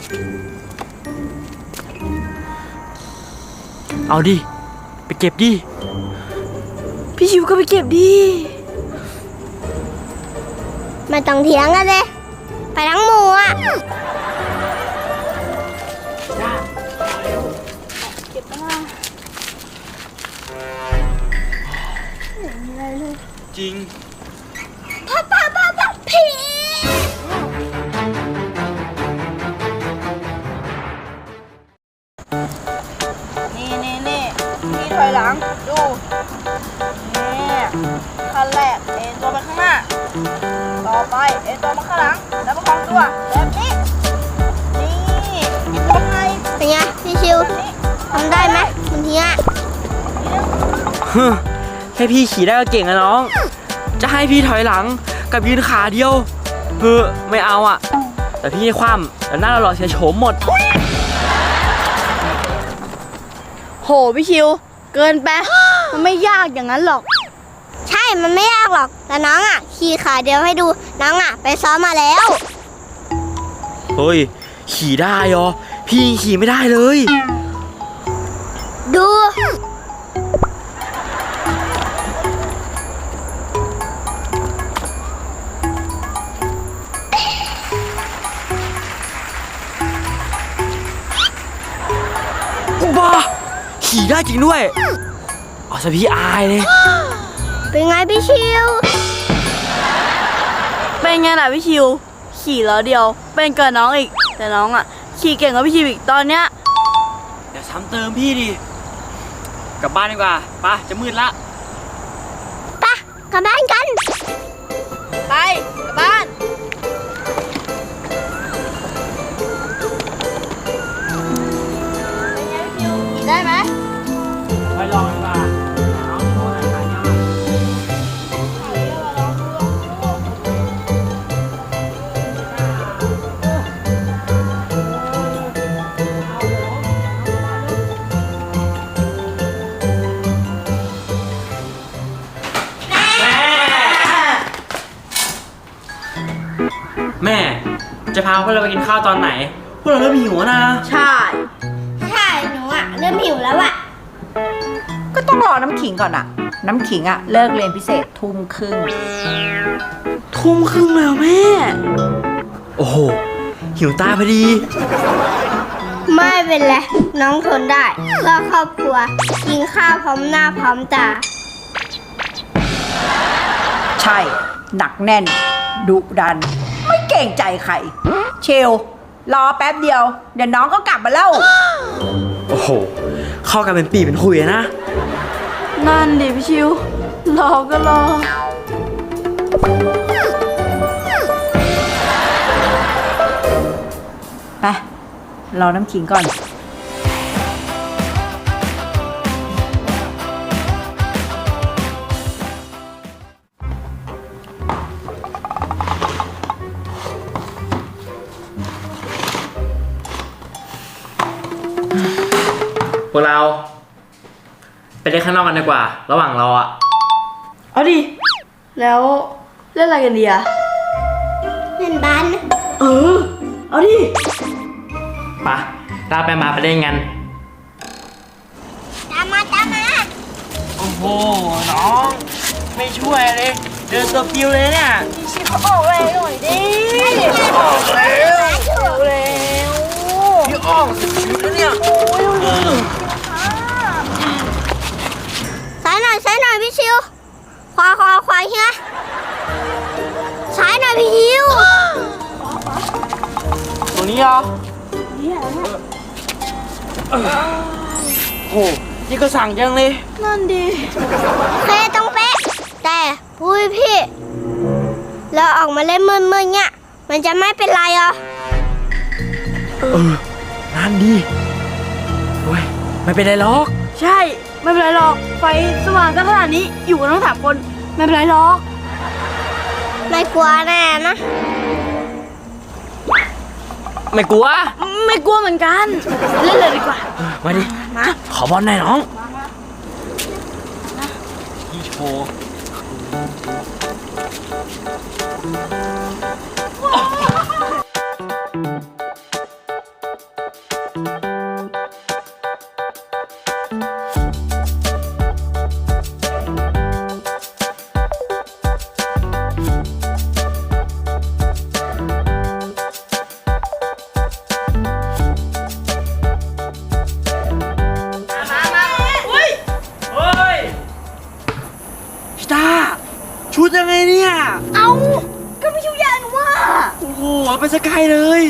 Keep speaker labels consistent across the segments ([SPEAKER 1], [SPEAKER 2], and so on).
[SPEAKER 1] เอาดิไปเก็บดิ
[SPEAKER 2] พี่ชิวก็ไปเก็บดิ
[SPEAKER 3] ไม่ต้องเถียงกันเลยไปทั้งหมู่อ่ะ
[SPEAKER 2] เก็บมาไม่มีอะไรเลย
[SPEAKER 1] จริง
[SPEAKER 3] พ่อผี
[SPEAKER 2] นี่พี่ถอยหลังดูนี่ขั้นแรกเอ็นตัวไปข้างหน้าต่อไปเอ็นตัวมาข้างหลังแล้วประคองตัวแบบนี้นี่อีกตัวไง
[SPEAKER 3] เป็นไงพี่ชิวทำได้ไหมมันทีอ่ะ
[SPEAKER 1] แค่พี่ขี่ได้ก็เก่งอะน้องจะให้พี่ถอยหลังกับยืนขาเดียวไม่เอาอะแต่พี่ให้คว่ำแล้วหน้าเราหล่อเสียโฉมหมด
[SPEAKER 2] โหพี่ชิวเกินไปมันไม่ยากอย่างนั้นหรอก
[SPEAKER 3] ใช่มันไม่ยากหรอกแต่น้องอ่ะขี่ขาเดียวให้ดูน้องอ่ะไปซ้อมมาแล้ว
[SPEAKER 1] เฮ้ยขี่ได้ยอพี่ขี่ไม่ได้เลย
[SPEAKER 3] ดู
[SPEAKER 1] บ้าขี่ได้จริงด้วยเอาซะพี่อายเลย
[SPEAKER 3] เป็นไงพี่ชิว
[SPEAKER 2] เป็นไงล่ะพี่ชิวขี่แล้วเดียวเป็นกับน้องอีกแต่น้องอ่ะขี่เก่งกว่าพี่ชิวอีกตอนเนี้ย
[SPEAKER 1] อย่าซ้ำเติมพี่ดิกลับบ้านดีกว่าไปจะมืดละ
[SPEAKER 3] ไปกลับบ้านกัน
[SPEAKER 2] ไปกลับบ้านเป็นไงพี่ชิวขี่ได้ไหม
[SPEAKER 1] ไปลองดีกว่าน้องโชว์หน่อยขาเดียวแม่จะพาพวกเราไปกินข้าวตอนไหนพวกเราเริ่มหิวนะ
[SPEAKER 2] ใช่
[SPEAKER 3] หนูอ่ะเริ่มหิวแล้วอ่ะ
[SPEAKER 4] ก็ต้องรอน้ำขิงก่อนอะน้ำขิงอะเลิกเรียนพิเศษทุ่มครึ่ง
[SPEAKER 2] แล้วแม่
[SPEAKER 1] โอ้โหหิวตาพอดี
[SPEAKER 3] ไม่เป็นไรน้องทนได้เพื่อครอบครัวกินข้าวพร้อมหน้าพร้อมตา
[SPEAKER 4] ใช่หนักแน่นดุดันไม่เกรงใจใครเชลรอแป๊บเดียวเดี๋ยวน้องก็กลับมาแล้ว
[SPEAKER 1] โอ้โหเข้ากันเป็นปีเป็นคุยนะ
[SPEAKER 2] นั่นดิพี่ชิวรอก็รอ
[SPEAKER 4] ไปรอน้ำขิงก่อน
[SPEAKER 1] พวกเราไปเล่นข้างนอกกันดีกว่าระหว่างรออะ
[SPEAKER 2] เอาดิแล้วเล่นอะไรกันดีอะ
[SPEAKER 3] เล่นบ้าน
[SPEAKER 2] เอาดิ
[SPEAKER 1] ไปเราไปเล่นกัน
[SPEAKER 3] ตามมา
[SPEAKER 1] โอ้โหน้องไม่ช่วยเลยเดินตัวปิวเลยเนี่ย
[SPEAKER 2] ชิเขาออกแรงหน่อยดิ
[SPEAKER 1] ออกเร็ว
[SPEAKER 2] เร็ว
[SPEAKER 1] พี่ออกสิแล้วเนี่ย
[SPEAKER 3] ซ้ายหน่อยพี่ชิวขวาเฮียซ้ายหน่อยพี่ชิว
[SPEAKER 1] ตรงนี้เหรอโอ้นี่ก็สั่งจังเลย
[SPEAKER 2] นั่นดิ
[SPEAKER 3] เป๊ะต้องเป๊ะแต่พี่เราออกมาเล่นมืดๆเนี่ยมันจะไม่เป็นไรเหรอ
[SPEAKER 1] นั่นดิโอ้ยไม่เป็นไรหรอก
[SPEAKER 2] ใช่ไม่เป็นไรหรอกไฟสว่างกันขนาดนี้อยู่กันทั้ง3 คนไม่เป็นไรหรอก
[SPEAKER 3] ไม่กลัวแน่นะ
[SPEAKER 1] ไม่กลัว
[SPEAKER 2] เหมือนกันเล่นเลยดีกว่า
[SPEAKER 1] มาดิ
[SPEAKER 2] มา
[SPEAKER 1] ขอบอลหน่อยน้องพี่โชว์บอกไปสักไกลเลย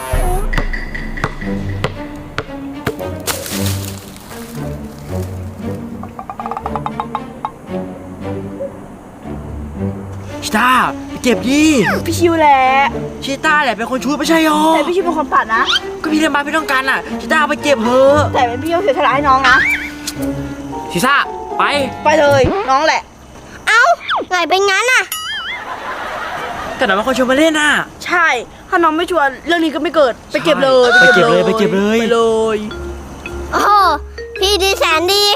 [SPEAKER 1] ชิต้าไปเก็บดิ
[SPEAKER 2] พี่ชิวแหละ
[SPEAKER 1] ชิต้าแหละเป็นคนชูไม่ใช่หรอ
[SPEAKER 2] แต่พี่ชิวเป็นคนปัดนะ
[SPEAKER 1] ก็พี่เรียนมาพี่ต้องการอ่ะชิต้าเอาไปเก็บเถอะ
[SPEAKER 2] แต่เป็นพี่ชิวเสียสละให้น้องนะ
[SPEAKER 1] ชิต้าไป
[SPEAKER 2] ไปเลยน้องแหละ
[SPEAKER 3] เอ้าไงเป็นงั้นอ่ะ
[SPEAKER 1] แต่หน่อยเป็นคนชวนมาเล่นน่ะ
[SPEAKER 2] ใช่ถ้าน้องไม่ชวนเรื่องนี้ก็ไม่เกิดไปเก็บเลย
[SPEAKER 1] ไปเก็บเลยไปเก็บเลย
[SPEAKER 2] ไปเลย
[SPEAKER 3] โอ้โห พี่ดีแสนดี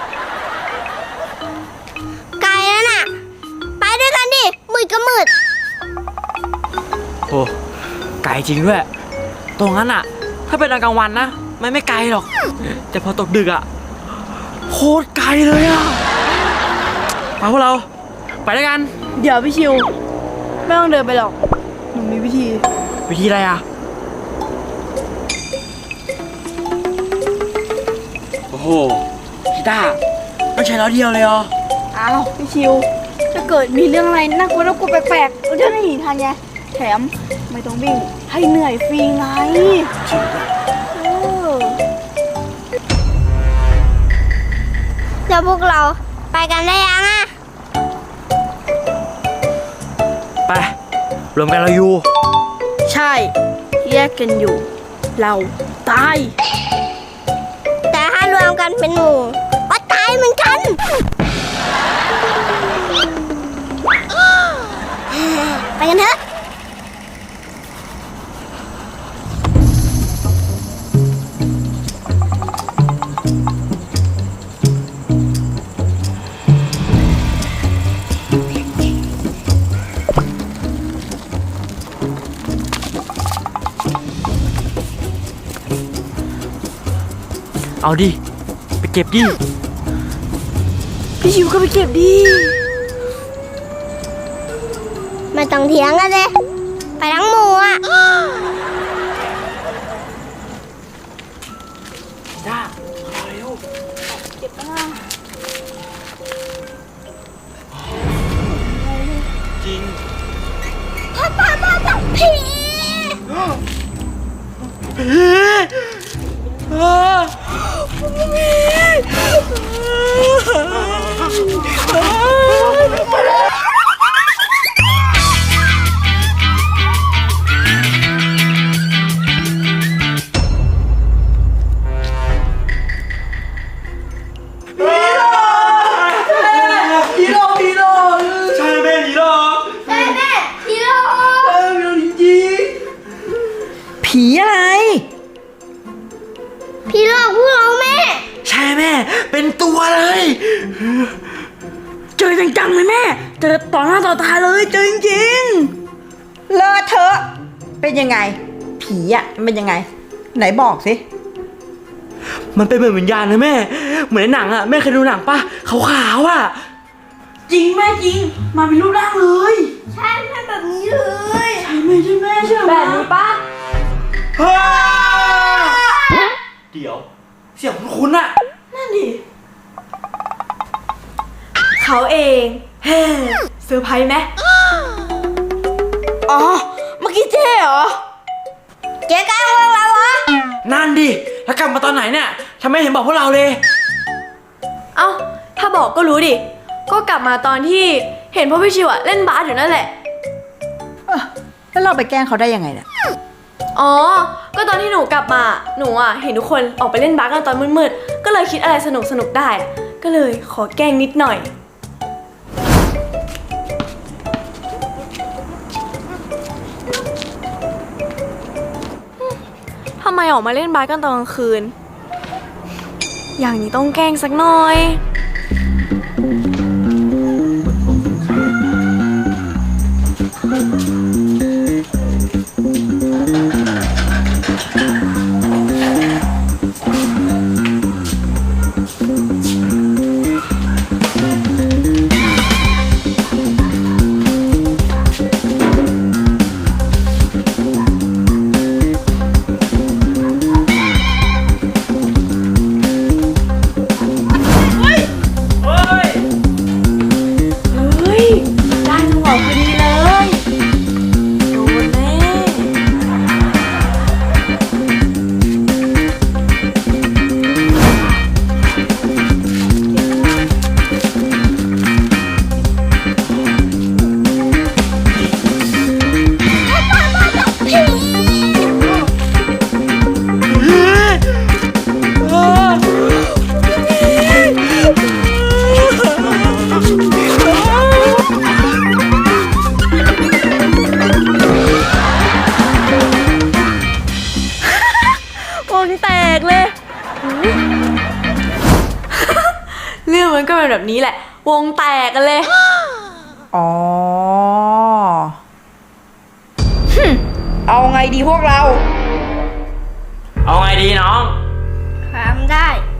[SPEAKER 3] ไกลแล้วน่ะ ไปด้วยกันดิ มืดก็มืด
[SPEAKER 1] โอ้ไกลจริงด้วยตรงนั้นอ่ะ ถ้าเป็นตอนกลางวันนะมันไม่ไกลหรอก แต่พอตกดึกอ่ะโคตรไกลเลยอ่ะมาพวกเราไปด้วยกัน
[SPEAKER 2] เดี๋ยวพี่ชิวไม่ต้องเดินไปหรอกหนูมีวิธี
[SPEAKER 1] วิธีอะไรอ่ะโอ้โหชิต้าต้องใช้ล้อเดียวเลยเหรอ
[SPEAKER 2] อ้าวพี่ชิวถ้าเกิดมีเรื่องอะไรน่ากลัวแปลกๆเราจะได้หนีทันไงแถมไม่ต้องวิ่งให้เหนื่อยฟรีไงเออ
[SPEAKER 3] แล้วพวกเราไปกันได้ยังอ่ะ
[SPEAKER 1] ไปรวมกันเราอยู่
[SPEAKER 2] ใช่แยกกันอยู่ เราตาย
[SPEAKER 3] แต่ถ้ารวมกันเป็นหมู่ก็ตายเหมือนกัน ไปกันเถอะ
[SPEAKER 1] เอาดิไปเก็บดิ
[SPEAKER 2] พี่ชิวก็ไปเก็บดิ
[SPEAKER 3] ไม่ต้องเถียงกันเลย ไปทั้งหมู่อ่ะ
[SPEAKER 1] จ้าเร็ว
[SPEAKER 2] เก็บนะ
[SPEAKER 1] จริง
[SPEAKER 3] ผี
[SPEAKER 1] ผีหลอกใช่แม่ผีหลอก
[SPEAKER 3] แม่ผีหลอก
[SPEAKER 1] ผีหลอกจริง
[SPEAKER 4] ผีอะไร
[SPEAKER 3] ผีหลอกพวกเราแม่
[SPEAKER 1] ใช่แม่เป็นตัวเลย
[SPEAKER 2] เจอจังๆเลยแม่เจอต่อหน้าต่อตาเลยเจอจริง
[SPEAKER 4] เลอะเทอะเป็นยังไง ผีอ่ะมันเป็นยังไง ไหนบอกสิ
[SPEAKER 1] มันเป็นเหมือนวิญญาณนะแม่ เหมือนในหนังอ่ะแม่เคยดูหนังปะขาวๆอ่ะ
[SPEAKER 2] ๆจริงแม่จริงมาเป็นรูปร่างเลย
[SPEAKER 3] ใช่แม่แบบนี้เลย
[SPEAKER 2] ใช่ไหมใช่แม่ใช่ไหมแบบนี้ปะ
[SPEAKER 1] เดี๋ยวเสียงคุ้นๆอ่ะ
[SPEAKER 2] นั่นดิเขาเองเฮ้เซอร์ไพรส์ไหมอ๋อเมื่อกี้เจ๊เหรอ
[SPEAKER 3] เจ๊ก้าวพวกเราเหรอ
[SPEAKER 1] นั่นดิแล้วกลับมาตอนไหนเนี่ยทำไมเห็นบอกพวกเราเลย
[SPEAKER 5] เอ้า ถ้าบอกก็รู้ดิ ก็กลับมาตอนที่เห็นพ่อพี่ชิวอะเล่นบาสอยู่นั่นแหละ
[SPEAKER 4] แล้วเราไปแกล้งเขาได้ยังไงเนี่ย
[SPEAKER 5] อ๋อ ก็ตอนที่หนูกลับมา หนูอะเห็นทุกคนออกไปเล่นบาสกันตอนมืดๆ ก็เลยคิดอะไรสนุกๆได้อะก็เลยขอแกล้งนิดหน่อย ทำไมออกมาเล่นบาสกันตอนกลางคืน อย่างนี้ต้องแกล้งสักหน่อยกเลย เรื่องมันก็เป็นแบบนี้แหละ วงแตกกันเลย
[SPEAKER 4] อ๋อ เอาไงดีพวกเรา
[SPEAKER 1] เอาไงดีน้อง
[SPEAKER 3] ทำได้